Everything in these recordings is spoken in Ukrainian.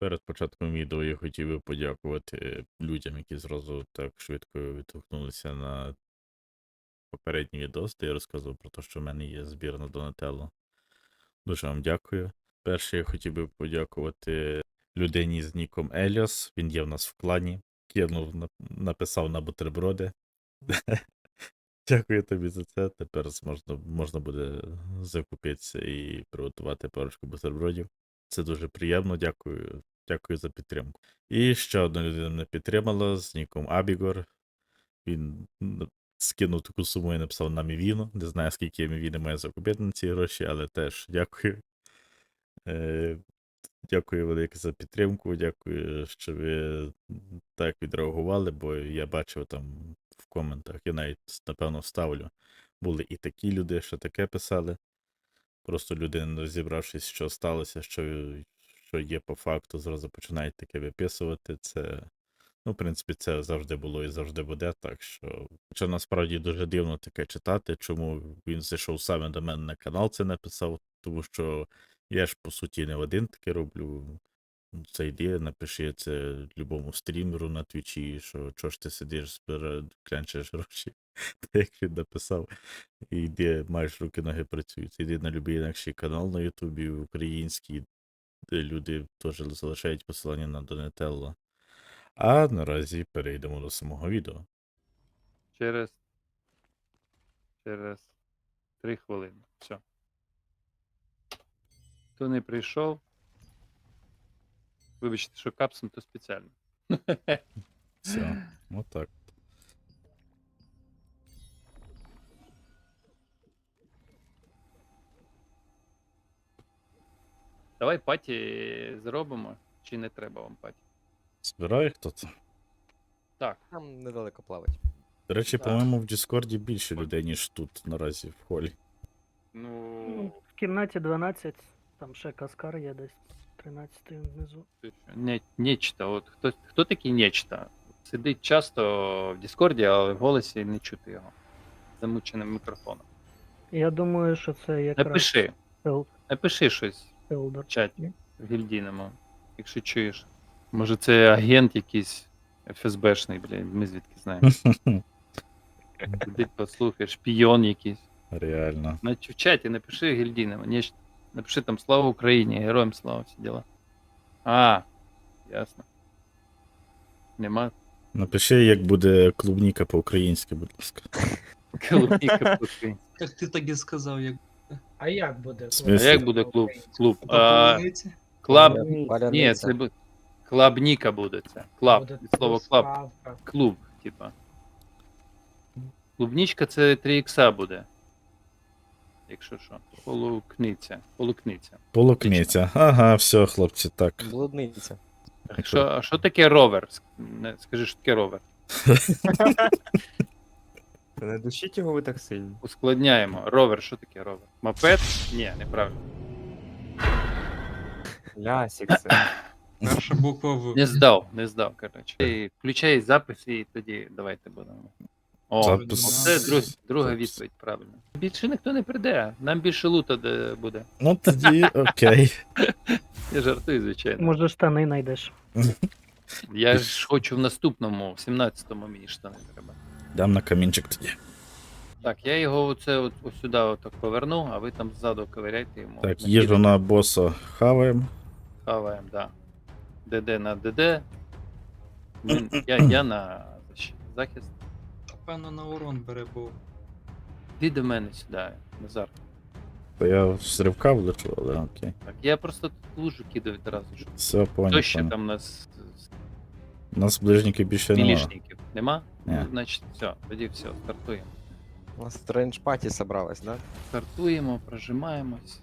Перед початком відео я хотів би подякувати людям, які зразу так швидко відгукнулися на попередній відос, де я розказував про те, що в мене є збір на Донателло. Дуже вам дякую. Перше, я хотів би подякувати людині з ніком Еліос. Він є в нас в клані. Написав на бутерброди. Дякую тобі за це. Тепер можна буде закупитися і приготувати парочку бутербродів. Це дуже приємно, дякую. Дякую за підтримку. І ще одна людина мене підтримала з ніком Абігор. Він скинув таку суму і написав на Мівіну. Не знаю, скільки Мівіни має закупити на ці гроші, але теж дякую. Дякую велике за підтримку. Дякую, що ви так відреагували, бо я бачив там в коментах, я навіть, напевно, вставлю. Були і такі люди, що таке писали. Просто люди, не розібравшись, що сталося, що є по факту, зразу починають таке виписувати. Це, в принципі, це завжди було і завжди буде. Так що, хоча насправді дуже дивно таке читати, чому він зайшов саме до мене на канал, це написав, тому що я ж, по суті, не один таке роблю. Це йди, напиши це любому стрімеру на твічі, що чого ж ти сидиш, клянчиш гроші. Так як він написав. І йди, маєш руки-ноги працюють. Йди на будь-який інакший канал на Ютубі, український, де люди теж залишають посилання на Донателло. А наразі перейдемо до самого відео. Через 3 хвилини. Все. Хто не прийшов, вибачте, що капсом, то спеціально. Все, отак. Давай паті зробимо, чи не треба вам паті? Збирає хто-то? Так. Там недалеко плавать. До речі, Так. по-моєму, в Діскорді більше людей, ніж тут наразі в холі. Ну, В кімнаті 12, там ще Каскар є десь 13 внизу. нечто. От хто такий нечто? Сидить часто в Діскорді, але в голосі не чути його. Замученим мікрофоном. Я думаю, що це якраз Напиши. Напиши щось Елдор. в чаті в гільдійному, якщо чуєш. Може це агент якийсь ФСБшний, блядь, ми звідки знаємо. Сидить, послухай, шпійон якийсь. Реально. Значить, в чаті напиши гільдійному, напиши там слава Україні, героям слава, всі діла. А, ясно. Нема Напиши, як буде клубніка по-українськи, будь ласка. клубніка по-українськи. Так ти так і сказав, як А як буде? В А смислі? як буде клуб? Клуб? полуниці. Клаб. Паляниця. Ні, це буде. Клабніка буде це. Клаб. Буде Від слова клаб. доставка. Клуб, типа. Клубнічка це 3 ікса буде. Якщо що. Полукниця. Полукниця. Ага, все, хлопці, так. Блудниця. А що таке ровер? Скажи, що таке ровер? Не душіть його ви так сильно. Ускладняємо. Ровер, що таке ровер? Мопед? Ні, неправильно. Лясік це. Перша буква В. Не здав, коротше. Ти включай запис і тоді давайте будемо. О, Запис. це друга Запис. відповідь, правильно. Більше ніхто не прийде, нам більше лута буде. Ну тоді окей. Я жартую, звичайно. Може штани знайдеш. Я ж хочу в наступному, в 17-му мені штани треба. Дам на камінчик тоді. Так, я його ось сюди отак поверну, а ви там ззаду ковиряйте йому. Так, їжу на боса хаваємо. Хаваємо, да. ДД на ДД. Я на захист. Певно на урон бере, бо Іди до мене сюди, Назар. То я з ривка влечу, але окей. Так, я просто тут лужу кидаю одразу. Щоб... Все, Хто ще понял. там у нас У нас ближників більше немає. мілішників? Нема? Ні. Ну, значить, все, тоді все, стартуємо. У нас стрендж паті собралась, да? Стартуємо, прожимаємось.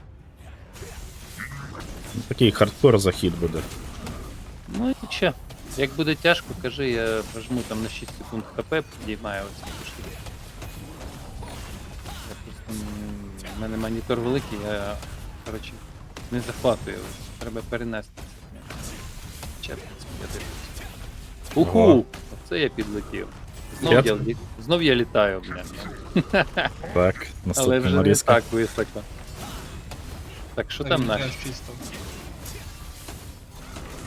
Такий хардкор захід буде. Ну і що? Як буде тяжко, кажи, я прожму там на 6 секунд хп, підіймаю оці пішки. Я просто... У мене монітор великий, я, коротше, не захватую. Треба перенести це. Чепиться, я дивлюсь. Уху! Ого. Оце я підлетів. Я- Знов я літаю, блін. Так, Але наступна вже не нарізка. так високо. Так, що там так, наші? чисто.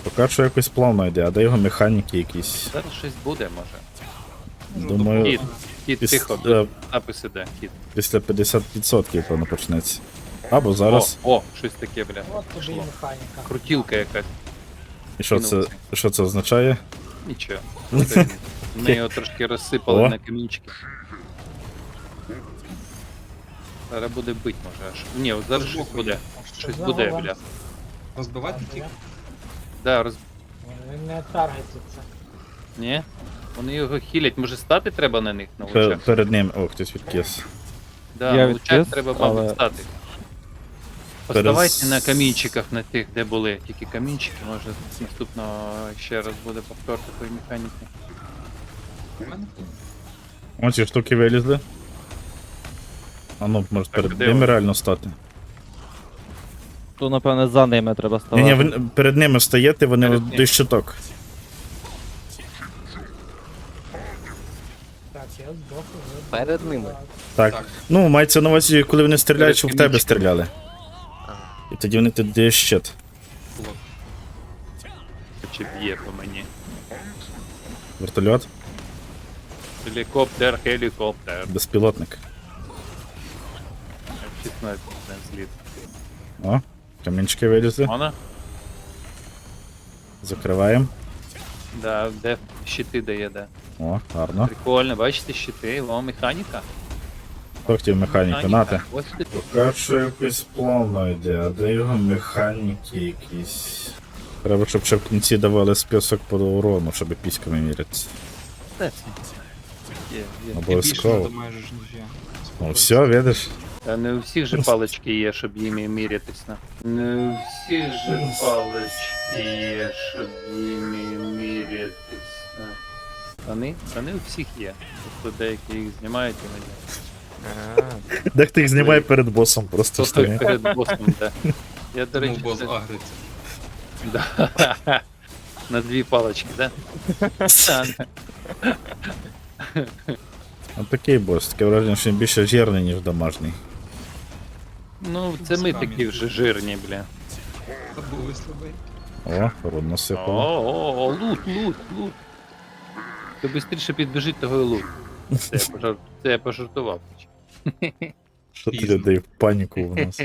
Поки що якось плавно йде, а де його механіки якісь. Зараз щось буде, може. Думаю, Кіт, кіт, піс- тихо, е, напис іде, кіт. після 50% певно почнеться. Або зараз. О, щось таке, бля. От тобі і Пішло. механіка. Крутілка якась. І що це, кинувся. що це означає? Нічого. Ми його трошки розсипали О. на камінчики. Зараз буде бить, може аж. Ні, от зараз щось буде. Щось буде, бля. Розбивати тільки? Да, Він не таргетиться. Ні? Вони його хілять, може стати треба на них на лучах? Перед ним. О, хтось відкис. Да, Я на лучах відкис, треба, але- мабуть, стати. Перез- Поставайте на камінчиках, на тих, де були. Тільки камінчики, може наступного ще раз буде повтор такої механіки. У мене? Ось ці штуки вилізли. А ну, може перед де ними вони? реально стати. То, напевне, за ними треба ставати. Ні, ви перед ними стаєте, вони Перед от ним. до щиток. Так, я здох уже. Перед ними. Так. Так. Ну, мається на увазі, коли вони стріляють, Перед щоб в тебе камінчиками. стріляли. І тоді вони тут дають щит. Було. Чи б'є по мені. Вертольот, Гелікоптер, гелікоптер. безпілотник. F-16 зліт. О, камінчики вилізли. Вона? Закриваємо. Да, де щити дає, де. О, гарно. Прикольно, бачите щити, о, механіка. Хто хотів механіку? Нате. Ось ти тут. Поки що якось плавно йде, а де його механіки якісь. Треба, щоб ще в кінці давали список по урону, щоб піськами мірятися. Є, є. Ти більше Обов'язково. надамажиш, ніж я. Ну все, видиш? Та не у всіх же палички є, щоб їми мірятися. Не у всіх же палички є, щоб їми мірятися. Вони у всіх є. Тобто деякі їх знімають іноді. Дехто їх знімає перед босом, просто Хто стоїть. перед босом, да. Я, до Тому речі, бос це- агриться. Да. На дві палички, да? А такий бос, таке враження, що він більше жирний, ніж домашній. Ну, це ми такі вже жирні, бля. Та були слабий. О, рудно сипало. О, лут. То швидше підбіжить того і лут. Це я пожартував. Що ти Пізно. людей в паніку в нас?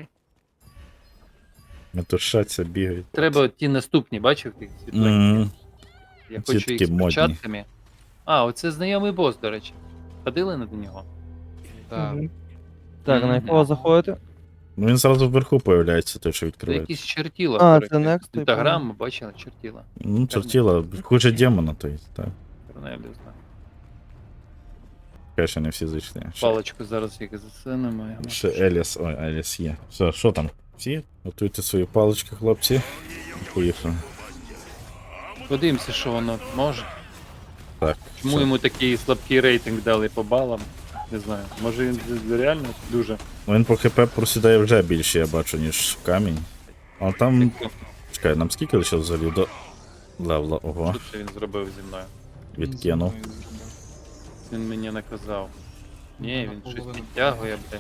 Метушаться, бігають. Треба от ті наступні, бачив тих світленьких? Мгм. Я ці хочу їх такі з модні. початками. А, оце знайомий бос, до речі. Ходили на нього? Так. Так, на якого заходити? Ну він зразу вверху появляється, той, що Це відкривається. якісь чертіла. А, до речі. це Next, типу. Інстаграм, бачили, чертіла. Ну, чертіла, хуже демона, то есть, так. Корнелію знаю. Конечно, не всі зайшли. Паличку зараз як засунемо. Ще Еліс, ой, Еліс є. Все, що там? Всі? Готуйте свої палички, хлопці. Поїхали. Подивимося, що воно може. Так. Чому все. йому такий слабкий рейтинг дали по балам? Не знаю. Може він реально дуже. Ну, він по ХП просідає вже більше, я бачу, ніж камінь. А там. Чекай, нам скільки лише взагалі до левла? Ого, Що це він зробив зі мною? відкинув. Він мені наказав. Ні, він щось Наполовину. підтягує, бля.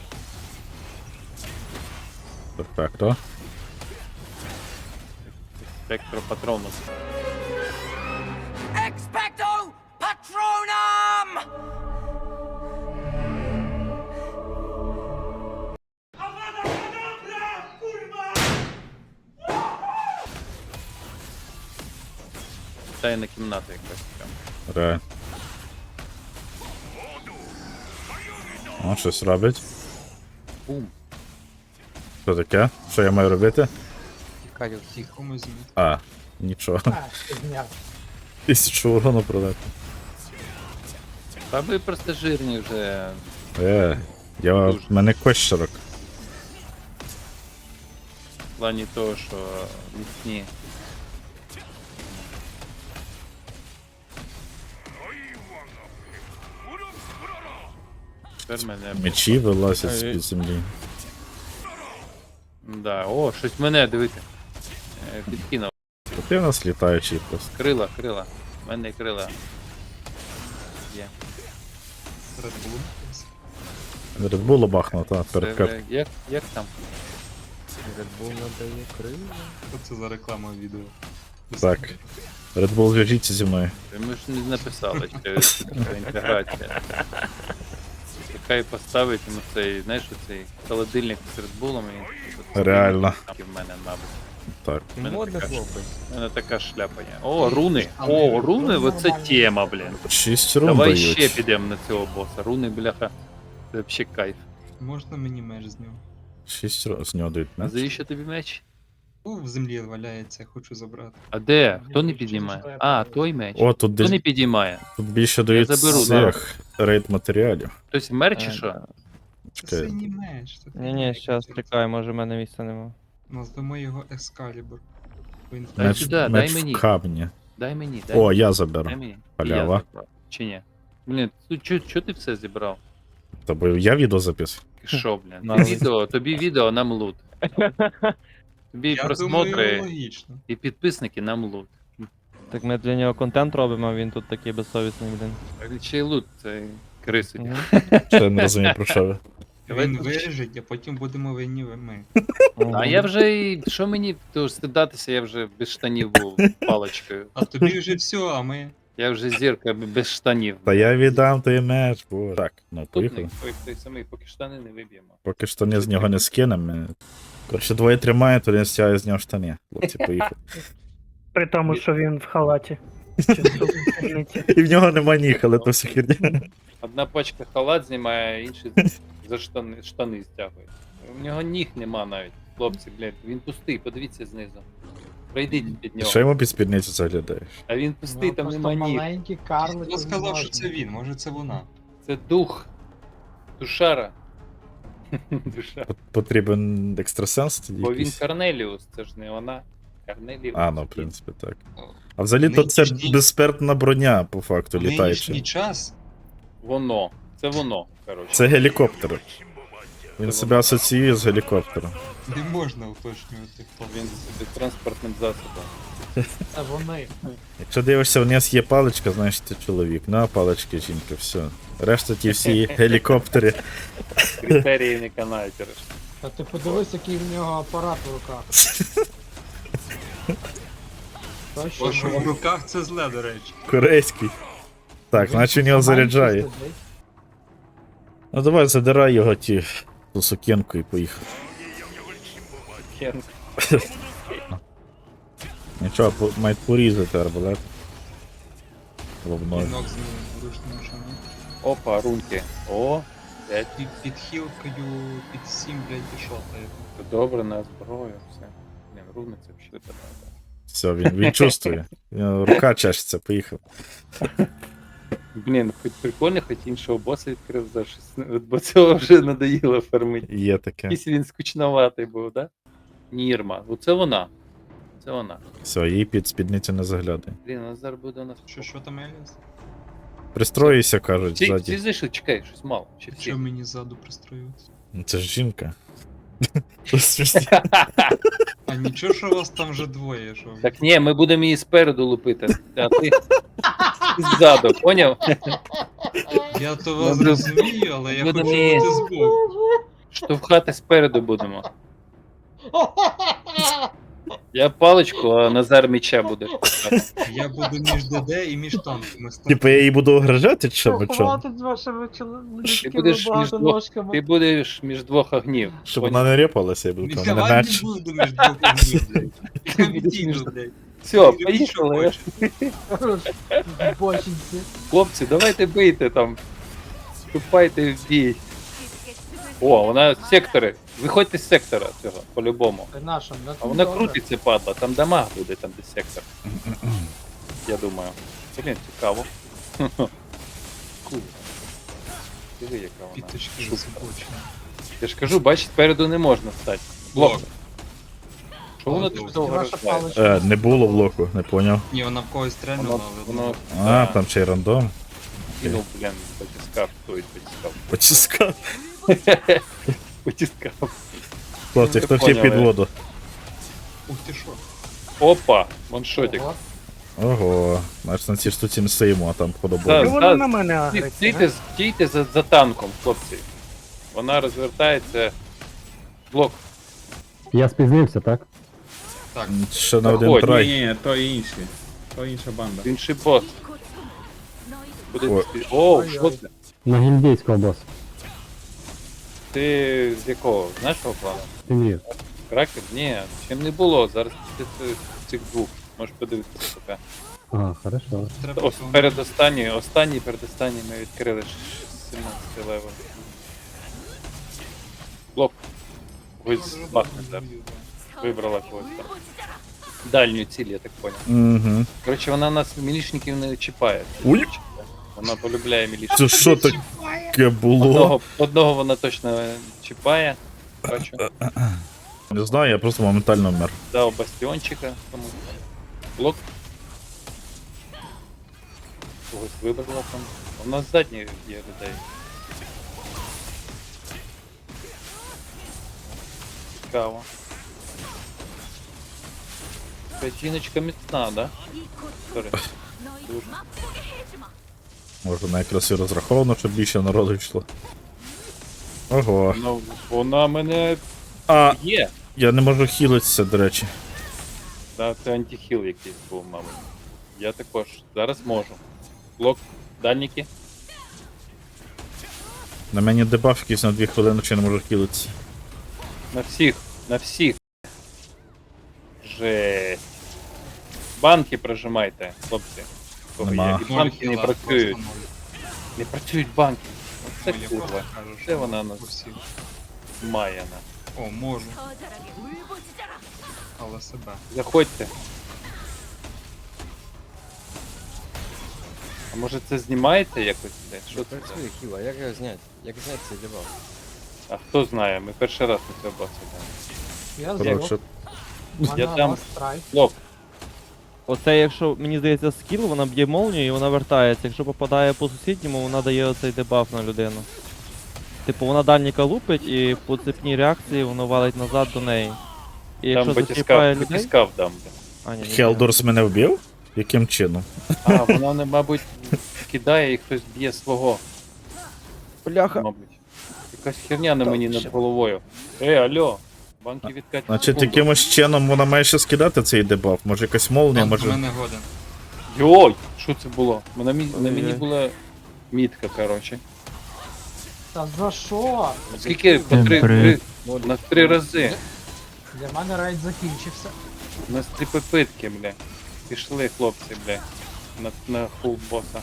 Перфекто. Електропатронус. Expecto Patronum! Тайна кімната якась прям. Ре. О, щось робить. Бум. Що таке? Що я маю робити? Тікаю. Тихо ми зміг. А, нічого. А, ти зняв. 1000 урону продати. Та ви просто жирні вже. В мене кощерок. В плані того, що міцні. Тепер мене. Мечі вилазять з-під землі. Да, о, щось мене, дивіться. Підкинув. То ти в нас літаючий просто. Крила. У мене крила. Є. Red Bull. Red Bull бахнув, та, Це перед кап. вже- як там? Red Bull надає крила. Що це за реклама відео? Так. Red Bull, зв'яжіться зі мною. Ми ж не написали, що така інтеграція. Хай поставить йому цей, знаєш, цей холодильник з редбулом і... Реально. В мене, мабуть. Так. Модний така- хлопець. У мене така шляпа є. О, руни! О, руни, оце тема, блін. 6 рун Давай дають. ще підемо на цього боса. Руни, бляха. Це взагалі кайф. Можна мені меч з нього? 6 рун з нього дають, А не? завіщо тобі меч? В землі валяється, хочу забрати. А де? Хто не підіймає? А, той меч. О, тут, Хто не десь, підіймає? тут більше дають заберу, цих рейд матеріалів. Хтось вмер чи що? Це Чекай. синій меч. це Ні, ні, щас чекай, може в мене місця нема. Назвемо його Ескалібур. Він Дай Меч, сюди, дай меч мені. в камні. Дай мені, дай. О, я Дай заберу. мені. І Халява. я забрав. Чи ні? Блін, чо ти все зібрав? Та бо я відео записую. Ти що, блін? Надо. Тобі відео, нам лут. Тобі Я думаю, просмотри логічно. і підписники, нам лут. Так ми для нього контент робимо, а він тут такий безсовісний, блін. Чи лут, це криси. Мгм. Ще я не розумію, про що ви. Давай Він тут- виріжить, а потім будемо винні ми. А я вже і. Що мені то стидатися, я вже без штанів був паличкою. А тобі вже все, а ми. Я вже зірка без штанів. Та я віддам той меч, боже. Так, ну Тут поїхали. той самий, поки штани не виб'ємо. Поки штани з нього не скинемо. Коротше, двоє тримає, то він стягує з нього штани. Хлопці, поїхали. При тому, що він в халаті. Чи в спідниці. І в нього нема ніг, але то все херня. Одна пачка халат знімає, а інший за штани стягує. У нього ніг нема навіть. Хлопці, блядь, він пустий, подивіться знизу. Пройдіть під нього. Що йому під спідницю заглядаєш? А він пустий, там нема ніг. маленький карлик. Хто сказав, що це він? Може це вона? Це дух. Душара. Душа. Потрібен екстрасенс тоді Бо він якийсь? Корнеліус, це ж не вона. Корнеліус. А, ну, в принципі, так. А взагалі то це Нинішній- безспертна броня, по факту, В нинішній літаюча. час Воно. Це воно, коротше. Це гелікоптер. Він себе асоціює з гелікоптером. не можна уточнювати, хто Він собі транспортним засобом. Це вони. Якщо дивишся, вниз є паличка, значить ти чоловік. Ну, а палички жінка, все. Решта ті всі гелікоптери. Критерії не канають. Та ти подивись, який в нього апарат в руках. То Бо що в що? руках це зле, до речі. Корейський. Так, наче він його заряджає. Ну давай задирай його ту сукенку і поїхав. Нічого, мають порізати арбалет. Головною. Вінок з ручним шаном. Опа, рунки. О, 5. Під хілкою, під 7, блядь, пішов. Добре на зброю, все. Блін, руни це взагалі треба. Все, він чувствує. Рука чешеться, поїхав. Блін, хоч прикольно, хоч іншого боса відкрив за щось. Бо цього вже надоїло фармити. Є таке. Якийсь він скучноватий був, да? Нірма. Оце вона. Це вона. Все, їй під спідницю не заглядає. Блін, вона зараз буде у нас. Що там, Еліас? Пристроюйся, кажуть, Всі ззаді. зайшли, чекай, щось мало. Чи всі? Що мені ззаду пристроюватися? Ну, це ж жінка. Це смішно. А нічого, що вас там вже двоє, що? Так ні, ми будемо її спереду лупити, а ти ззаду, поняв? Я то вас Добре. розумію, але я Буде хочу мені- бути збоку. Штовхати спереду будемо. Я паличку, а Назар меча буде. Я буду між ДД і між танками стати. Типа я її буду огражати, чи що мечом? Хватить з вашими Ти чоловічками будеш між двох, багатоножками. ти будеш між двох огнів. Щоб поняв? вона не репалася, я буду казати, мене Давай не меч. буду між двох огнів, блядь. Я відійду, блядь. Все, Роби, що поїхали. хочеш. Бочинці. Хлопці, давайте бийте там. Вступайте в бій. О, вона сектори. Виходьте з сектора цього, по-любому. Ти наша, не А вона крутиться, падла, там дамаг буде, там де сектор. Я думаю. Блін, цікаво. Кул. Диви, яка вона. Піточки шубка. засобочені. Я ж кажу, бачиш, спереду не можна стати. Блок. Що воно Блок. так довго Ваша розглядає? паличка. Не було блоку, не поняв. Ні, вона в когось стрельнула, Воно, але... воно А, да, там ще й рандом. кинув, блін, потискав, той потискав. Потіскав. Потискав. Хлопці, Ну, хто ти хотів під поняв, воду? Ух ти що? Опа, ваншотик. Ого. Ого, значить на цій штуці не стоїмо, а там Да. подобається. Чого вона на мене агриться? Стійте за танком, хлопці. Вона розвертається. Блок. Я спізнився, так? Так, Ще на один Ой, трай. Ні, то інші. То інша банда. Інший бос. Куди Ой. ти? О, що це? На гільдейського бос. Ти з якого? Знаєш того плану? Тимрів. Кракер? Ні, чим не було. Зараз ти цих двох. Можеш подивитися поки. Ага, хорошо. треба Ось останній передостанній ми відкрили 17 левел. Блок. Ось бахне зараз. Вибрала когось там. Дальню ціль, я так понял. Угу. Коротше, вона нас мілішників не чіпає. Ой. Вона полюбляє мілішників. Це що таке було? Одного вона точно чіпає. Бачу. Не знаю, я просто моментально вмер. Дав бастіончика комусь. Блок. Когось вибрала там. У нас задні є людей. Цікаво. Ця жіночка міцна, да? Сорі. Дуже. Може, вона якраз і розраховано, щоб більше народу йшло. Ого. Ну, вона мене А, є. я не можу хілитися, до речі. Да, це антихіл якийсь був, мабуть. Я також. Зараз можу. Блок, дальніки. На мені дебаф якийсь на 2 хвилини, чи не можу хілитися. На всіх, на всіх. Жесть. Банки прожимайте, хлопці. Кого Нема. є. І банки не хіла, працюють. просто ноль. Не працюють банки. Оце Ну, я курва. просто кажу, Це що вона нас усі. має на. О, можу, але себе. Заходьте. А може це знімаєте якось? блядь? Що це? Працює хіла, як його зняти? Як зняти цей дебаф? А хто знає? Ми перший раз на цього бачимо. Я Коротше, здох. Я там- страйк. Блок. Оце, якщо мені здається, скіл, вона б'є молнію і вона вертається. Якщо попадає по сусідньому, вона дає оцей дебаф на людину. Типу, вона дальніка лупить і по цепній реакції воно валить назад до неї. І Там якщо зачіпає людей. батіскав дам. блядь. А, ні, ні, ні. Хелдорс мене вбив? Яким чином? А, вона, мабуть, кидає і хтось б'є свого, Бляха. мабуть. Якась херня на мені над головою. Алло, банки відкатять. Значить, якимось чином вона має ще скидати цей дебаф. Може якась молнія, Банк у може. мене годен. Йой, що це було? На мені Ой-ой. була мітка, коротше. Та за що? Скільки? По на 3 рази. Для мене рейд закінчився. У нас 3 попитки, бля. Пішли, хлопці, бля. На фул боса.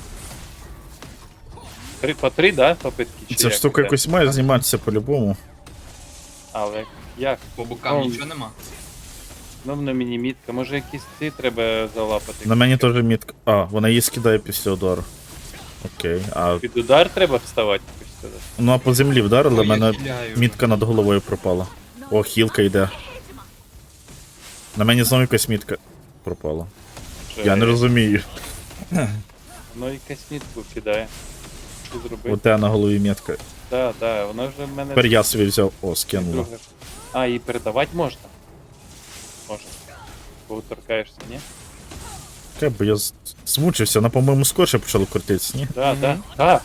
По 3, да, попитки? Чи Ця як штука іде? якось має зніматися по-любому. Але як? По бокам Ну, нічого нема. Ну, на мені мітка. Може якісь ці треба залапати? На мені теж мітка. А, вона її скидає після удару. Окей. А Під удар треба вставати, хочеш сказати? ну а по землі вдарили, Ой, в я мене хиляю. мітка над головою пропала. О, хілка йде. На мені знову якась мітка пропала. Я не розумію. Ну якась мітку кидає. Що зробити? У тебе на голові мітка. Так, так, вона вже в мене... Тепер я собі взяв. О, скинула. друга. А, її передавати можна? Можна. Бо торкаєшся, ні? Чекай, бо я змучився, вона, по-моєму, скорше почала крутитися, ні? Так, Мгм. так.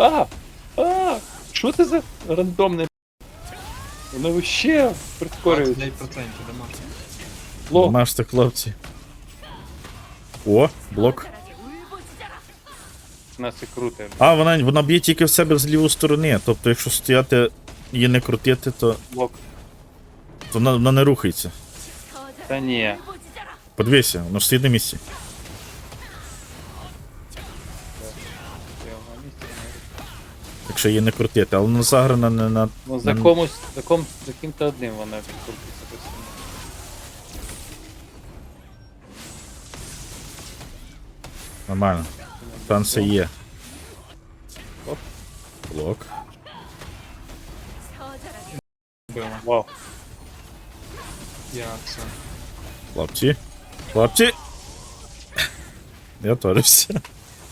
Що це за рандомне? Воно вообще прискорюється. 29% дамаг. Лох. Маште, хлопці. О, блок. Нас і круте. А, вона б'є тільки в себе з лівої сторони. Тобто, якщо стояти її не крутити, то Блок. вона не рухається. Та ні. Подивися, воно ж стоїть на місці. Я на місці не- Якщо її не крутити, але вона заграна не на. Ну за комусь, за ким-то одним вона відкрутиться постійно. Нормально. Шанси є. Блок. Била. Вау. Я все. Хлопці. Хлопці. Я торився.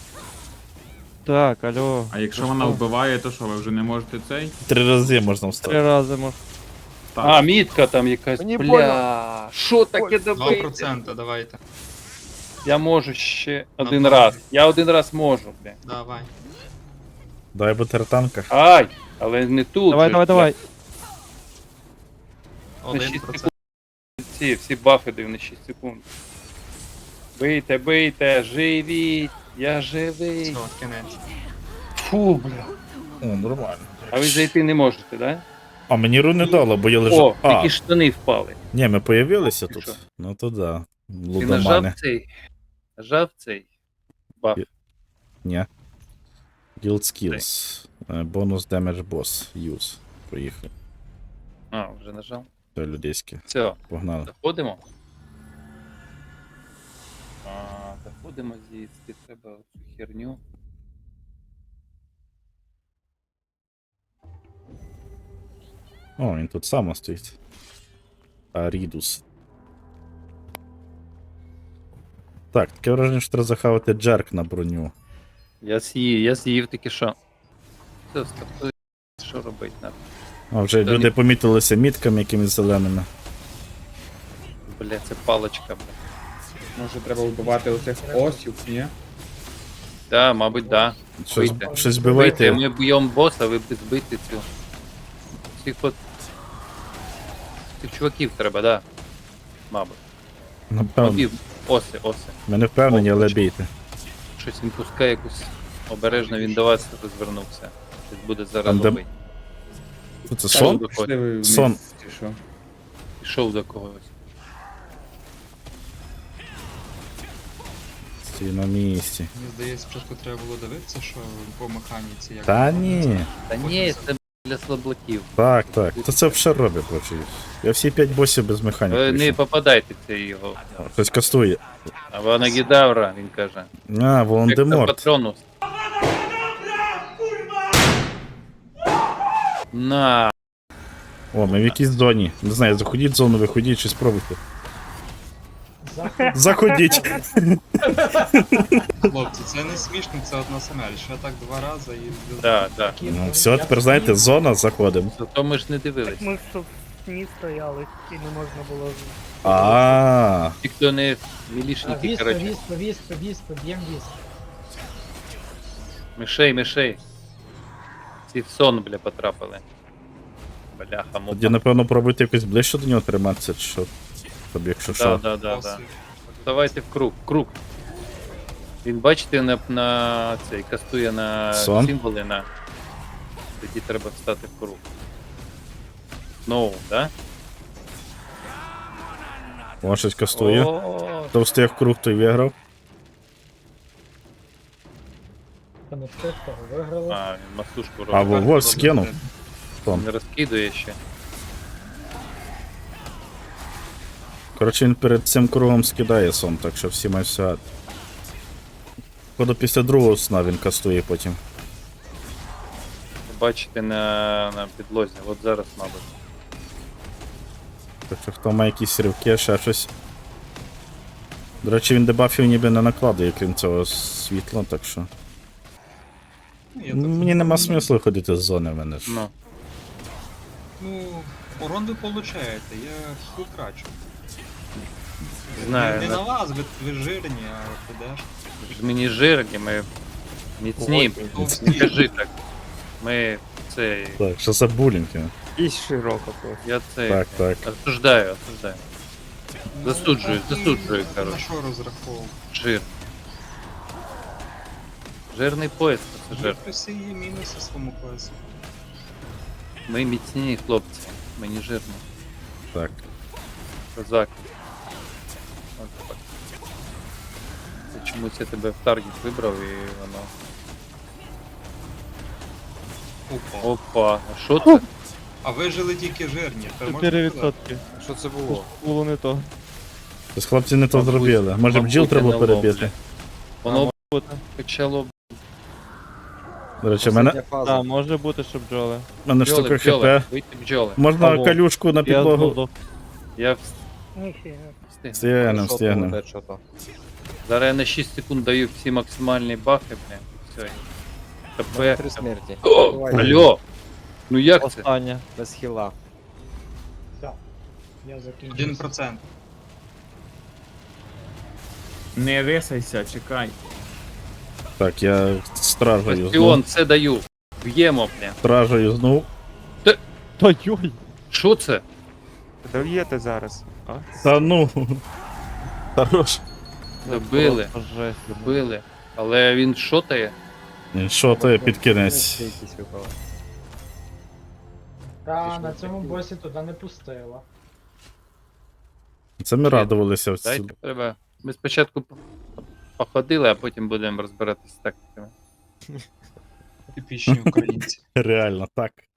Так, алло. А якщо вона вбиває, то що, ви вже не можете цей? 3 рази можна 3 встати. рази може. А, мітка там якась. Мені Бля. Що таке добити? 2%, давайте. Я можу ще один Ну, раз. Я один раз можу, бля. Давай. Дай бутертанка. Ай! Але не тут. Давай, же, давай, бля. давай. На 6 1%. секунд всі бафи даю на 6 секунд. Бийте, бийте, живіть, я живий. Все, кінець. Фу, бля. О, нормально. А ви зайти не можете, да? А мені ру не дало, бо я О, лежав. А, такі штани впали. ні, ми появилися Ти тут. що? Ну то да. Ти нажав Лудомани. цей. Нажав цей. Баф. Ні. Guild Skills. Бонус Damage Boss. Use. Поїхали. А, вже нажав. Це людейське. Все, Погнали. заходимо. Заходимо звідси, треба цю херню. О, він тут само стоїть. Арідус. Так, таке враження, що треба захавати джерк на броню. Я з'їв таки що. Все, стартує. Що робити нам? А вже Та люди ні. помітилися мітками якимись зеленими. Бля, це паличка, бля. Може треба вбивати оцих осів, ні? Да, мабуть, да. Щось, Вийти. щось Бийте, збивайте. ми б'ємо боса, ви збити цю. Цих от. Цих чуваків треба, да. Мабуть. Напевно. Мобів. Оси. Ми не впевнені, але бійте. Щось він пускає якусь. Обережно він до вас розвернувся. Щось буде зараз Там, де- робити. Це Пішов сон? до когось. Пішли ви вниз, Сон. чи що? Пішов до когось. Стій на місці. Мені здається, спочатку треба було дивитися, що по механіці як. Та ні. Та ні, це для слаблаків. Так, так. То це все робить, коротше. Я всі 5 босів без механіки. Ви не пройшов. попадайте в цей його. Хтось кастує. А Ванагідавра, він каже. А, Волан-де-Морт. Патронус. На. О, ми в якійсь зоні. Не знаю, заходіть в зону, виходіть чи спробуйте. Заходіть. Хлопці, це не смішно, це одна самель. Ще так 2 рази і. Да, да. Ну все, тепер знаєте, зона, заходимо. Зато ми ж не дивились. Ми ж тут в сні стояли і не можна було. А, Ті, хто не мілішники, Віспа, коротше. віспа, б'єм вісп. Мишей. Ці в сон, бля, потрапили. Бляха, тоді, мопа. напевно, пробуйте якось ближче до нього триматися, чи що. Тобі, якщо що. Да. Давайте в круг. Він, бачите, на цей кастує на Сон? символи на. Тоді треба встати в круг. Знову, да? О, щось кастує. О, Хто встиг в круг, той виграв. Та не встиг, того виграли. а, він масушку А робить. во скинув. Не розкидує ще. Коротше, він перед цим кругом скидає сон, так що всі мають сягати. Походу після другого сна він кастує потім. Бачите на підлозі, от зараз, мабуть. Так що хто має якісь ривки, ще щось. До речі, він дебафів ніби не накладає, крім цього світла, так що. Мені нема смислу ходити з зони в мене ж. Ну, Ну, урон ви получаєте, я потрачу. знаю, Не на- на вас, ви жирні, а підеш. ж мені жирні, ми міцні. Товсті. Не кажи так. Ми це. Так, що за булінг? І широко просто. Я це. Так, так. Осуждаю. Засуджую, На коротше. що розраховував? Жир. Жирний пояс, пасажир. Плюси і мінуси своєму класі. Ми міцні хлопці. Мені жирно. Так. Козак. От так. Це чомусь я тебе в таргет вибрав і воно. Опа. Опа, а що це? А ви жили тільки жирні, то можна 4%. сказати. Що це було? Було не то. Тобто хлопці не то зробили. Може бджіл Мабуть, треба НЛО, перебити. бля. Воно Бути. почало До речі, в мене Остання фаза. Так, може бути, що бджоли. штука бджоли, хп. вийти бджоли. Можна Алло. калюшку на Я підлогу. здох. Я Ніфіга. встиг. Стягнем, Що стягнем. то, що то? Зараз я на 6 секунд даю всі максимальні бафи, бля. Все. ТП. 3 смерті. О, Давай. алло! Ну як це? Остання. Без хіла. Я закінчив. 1%. Не рисайся, чекай. Так, я стражею Бастіон, знов. це даю. Б'ємо, бля. Стражею знов. Та йой! Що це? Дов'єте зараз. Та ну. Хорош. Добили, Просто жесть. добили. Але він шотає. Що ти під кінець? Якісь випали. Та на цьому босі туди не пустила. Це ми радувалися в Дайте цю. треба. Ми спочатку походили, а потім будемо розбиратися з тактиками. Типічні українці. Реально так.